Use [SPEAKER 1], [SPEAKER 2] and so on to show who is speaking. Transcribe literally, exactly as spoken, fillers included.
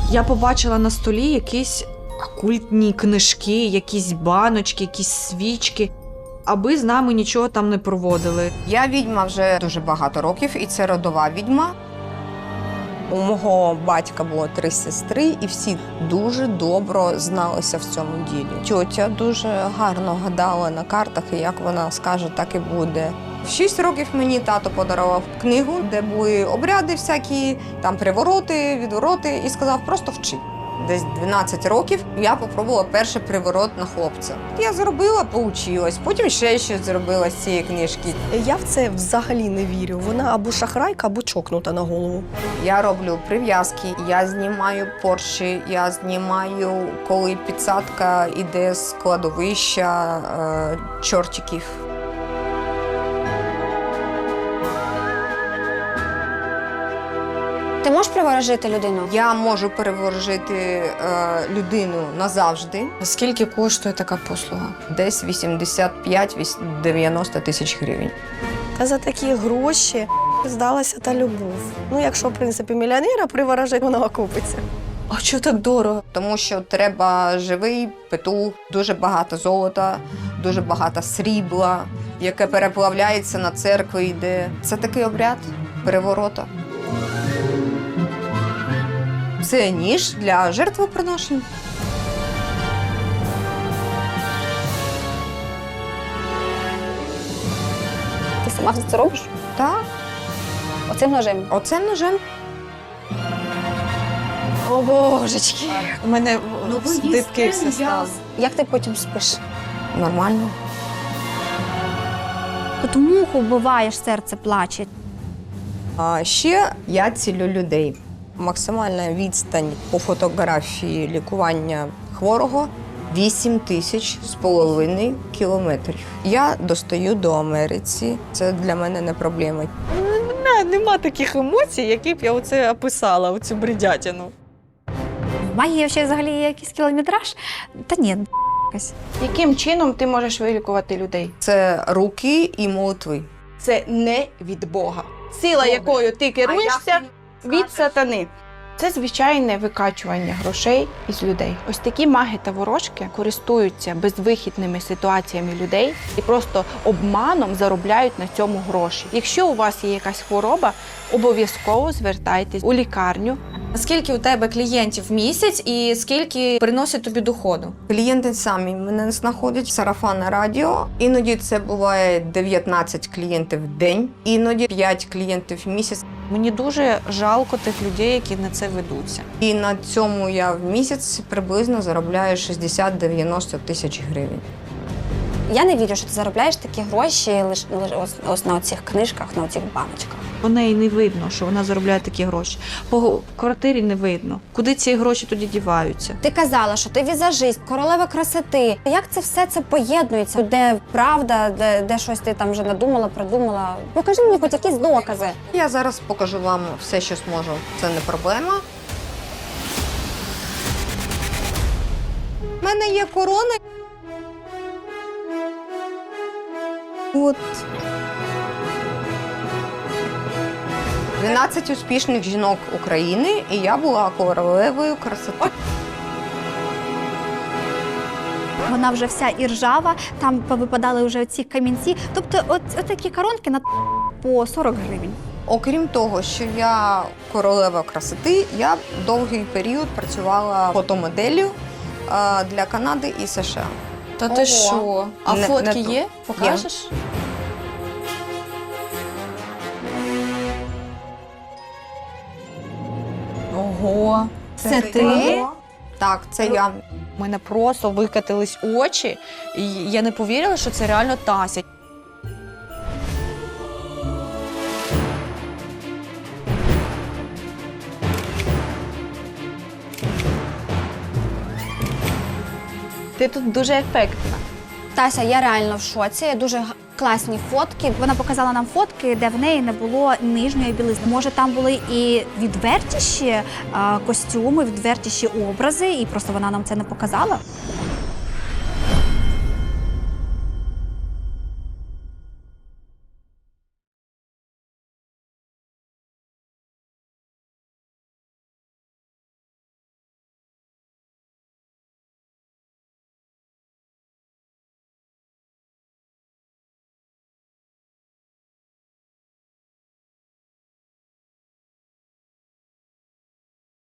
[SPEAKER 1] Я побачила на столі якісь окультні книжки, якісь баночки, якісь свічки, аби з нами нічого там не проводили.
[SPEAKER 2] Я відьма вже дуже багато років, і це родова відьма.
[SPEAKER 3] У мого батька було три сестри, і всі дуже добре зналися в цьому ділі. Тьотя дуже гарно гадала на картах, і як вона скаже, так і буде.
[SPEAKER 2] В шість років мені тато подарував книгу, де були обряди всякі, там привороти, відвороти, і сказав, просто вчи. Десь дванадцять років я спробувала перший приворот на хлопця. Я зробила, поучилась, потім ще щось зробила з цієї книжки.
[SPEAKER 3] Я в це взагалі не вірю. Вона або шахрайка, або чокнута на голову.
[SPEAKER 2] Я роблю прив'язки, я знімаю порчі, я знімаю, коли підсадка йде з кладовища е, чортиків.
[SPEAKER 4] Ти можеш приворожити людину?
[SPEAKER 2] Я можу переворожити е, людину назавжди.
[SPEAKER 1] Скільки коштує така послуга?
[SPEAKER 2] Десь вісімдесят п'ять - дев'яносто тисяч гривень.
[SPEAKER 3] Та за такі гроші здалася та любов. Ну, якщо, в принципі, мільйонера приворожить, вона окупиться.
[SPEAKER 1] А чого так дорого?
[SPEAKER 2] Тому що треба живий петух, дуже багато золота, дуже багато срібла, яке переплавляється на церкву йде. Це такий обряд переворота. Це ніж для жертвоприношень.
[SPEAKER 4] Ти сама все це робиш?
[SPEAKER 2] Так,
[SPEAKER 4] Оцим ножем?
[SPEAKER 2] оцим ножем.
[SPEAKER 4] О, божечки.
[SPEAKER 1] У мене дибки все стало.
[SPEAKER 4] Як ти потім спиш?
[SPEAKER 2] Нормально.
[SPEAKER 5] От муху вбиваєш, серце плаче.
[SPEAKER 2] А ще я цілю людей.
[SPEAKER 3] Максимальна відстань по фотографії лікування хворого
[SPEAKER 2] Вісім тисяч з половиною кілометрів. Я достаю до Америці. Це для мене не проблема.
[SPEAKER 1] Не, нема таких емоцій, які б я оце описала, оцю бредятину.
[SPEAKER 5] В магії ще взагалі є якийсь кілометраж? Та ні, якась.
[SPEAKER 6] Яким чином ти можеш вилікувати людей?
[SPEAKER 2] Це руки і молитви.
[SPEAKER 6] Це не від Бога. Сила, якою ти керуєшся, від сатани. Це звичайне викачування грошей із людей. Ось такі маги та ворожки користуються безвихідними ситуаціями людей і просто обманом заробляють на цьому гроші. Якщо у вас є якась хвороба, обов'язково звертайтесь у лікарню.
[SPEAKER 1] Скільки у тебе клієнтів в місяць і скільки приносить тобі доходу?
[SPEAKER 2] Клієнти самі мене знаходять, сарафанне радіо. Іноді це буває дев'ятнадцять клієнтів в день, іноді п'ять клієнтів в місяць.
[SPEAKER 1] Мені дуже жалко тих людей, які на це ведуться.
[SPEAKER 2] І на цьому я в місяць приблизно заробляю шістдесят - дев'яносто тисяч гривень.
[SPEAKER 4] Я не вірю, що ти заробляєш такі гроші лише ось, ось на цих книжках, на цих баночках.
[SPEAKER 1] По неї не видно, що вона заробляє такі гроші. По квартирі не видно. Куди ці гроші тоді діваються?
[SPEAKER 4] Ти казала, що ти візажист, королева красоти. Як це все це поєднується? Де правда, де, де щось ти там вже надумала, придумала? Покажи мені хоч якісь докази.
[SPEAKER 2] Я зараз покажу вам все, що зможу. Це не проблема. У мене є корона. От. дванадцять успішних жінок України, і я була королевою красоти.
[SPEAKER 5] Вона вже вся і ржава, там повипадали вже ці камінці. Тобто от, от такі коронки на по сорок гривень.
[SPEAKER 2] Окрім того, що я королева красоти, я довгий період працювала фотомоделлю а, для Канади і США.
[SPEAKER 1] Та ти
[SPEAKER 2] Ого.
[SPEAKER 1] що? А
[SPEAKER 2] Не-
[SPEAKER 1] фотки
[SPEAKER 2] не то.
[SPEAKER 1] є? Покажеш? Ого. Це ти?
[SPEAKER 2] Так, це я.
[SPEAKER 1] У мене просто викатились очі, і я не повірила, що це реально Тася.
[SPEAKER 6] Ти тут дуже ефектна.
[SPEAKER 4] Тася, я реально в шоці. Дуже г- класні фотки.
[SPEAKER 5] Вона показала нам фотки, де в неї не було нижньої білизни. Може, там були і відвертіші а, костюми, відвертіші образи, і просто вона нам це не показала.